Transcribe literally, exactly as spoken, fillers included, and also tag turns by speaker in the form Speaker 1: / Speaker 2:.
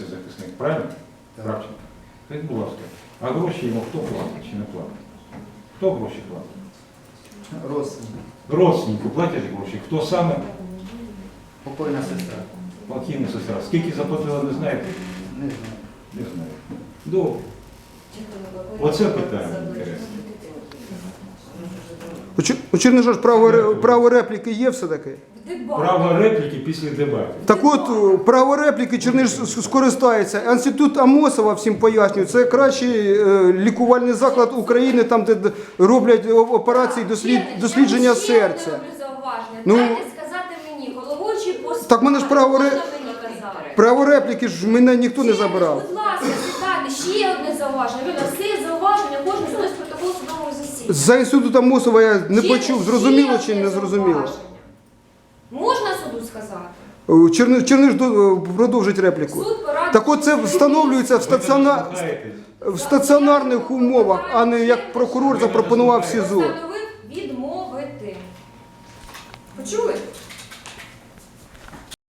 Speaker 1: цей захисник, правильно? Кравченко. Скажіть, будь ласка, а гроші йому хто платить чи не платить? Хто гроші платить?
Speaker 2: Родственник.
Speaker 1: Родственнику платять гроші. Хто саме?
Speaker 2: Покойна сестра.
Speaker 1: Покійна сестра. Скільки заплатила, не знаєте?
Speaker 2: Не знаю.
Speaker 1: Не знаю. Добре. Оце питання інтересне.
Speaker 3: У Чер- У Чернижа ж право, ре- право репліки є все-таки?
Speaker 1: Право репліки після дебатів.
Speaker 3: Так от, право репліки Черниж с- скористається. Інститут Амосова, всім пояснюю, це кращий е, лікувальний заклад України, там, де д- роблять о- операції дослід, дослідження серця. Ну,
Speaker 4: Ну, дайте сказати мені, головуючий по
Speaker 3: Так мене ж право ре-
Speaker 4: можна мені казати?
Speaker 3: Право репліки ж мене ніхто не
Speaker 4: Ще,
Speaker 3: забирав.
Speaker 4: Будь ласка, сідайте, ще одне зауваження. Віля, всі зауваження, кожен заносить протокол судового засідання.
Speaker 3: За інститут Амосова я не
Speaker 4: Ще-
Speaker 3: почув,
Speaker 4: ще
Speaker 3: зрозуміло чи
Speaker 4: одне
Speaker 3: не зрозуміло.
Speaker 4: зауваження. Можна суду сказати?
Speaker 3: Черниж, Черниж до- продовжить репліку.
Speaker 4: Суд порадить,
Speaker 3: Так от це
Speaker 4: що
Speaker 3: встановлюється в,
Speaker 1: Ви
Speaker 3: стаціона...
Speaker 1: не слухаєтесь.
Speaker 3: в стаціонарних умовах, а не як прокурор запропонував в СІЗО.
Speaker 4: постановив відмовити. Почули?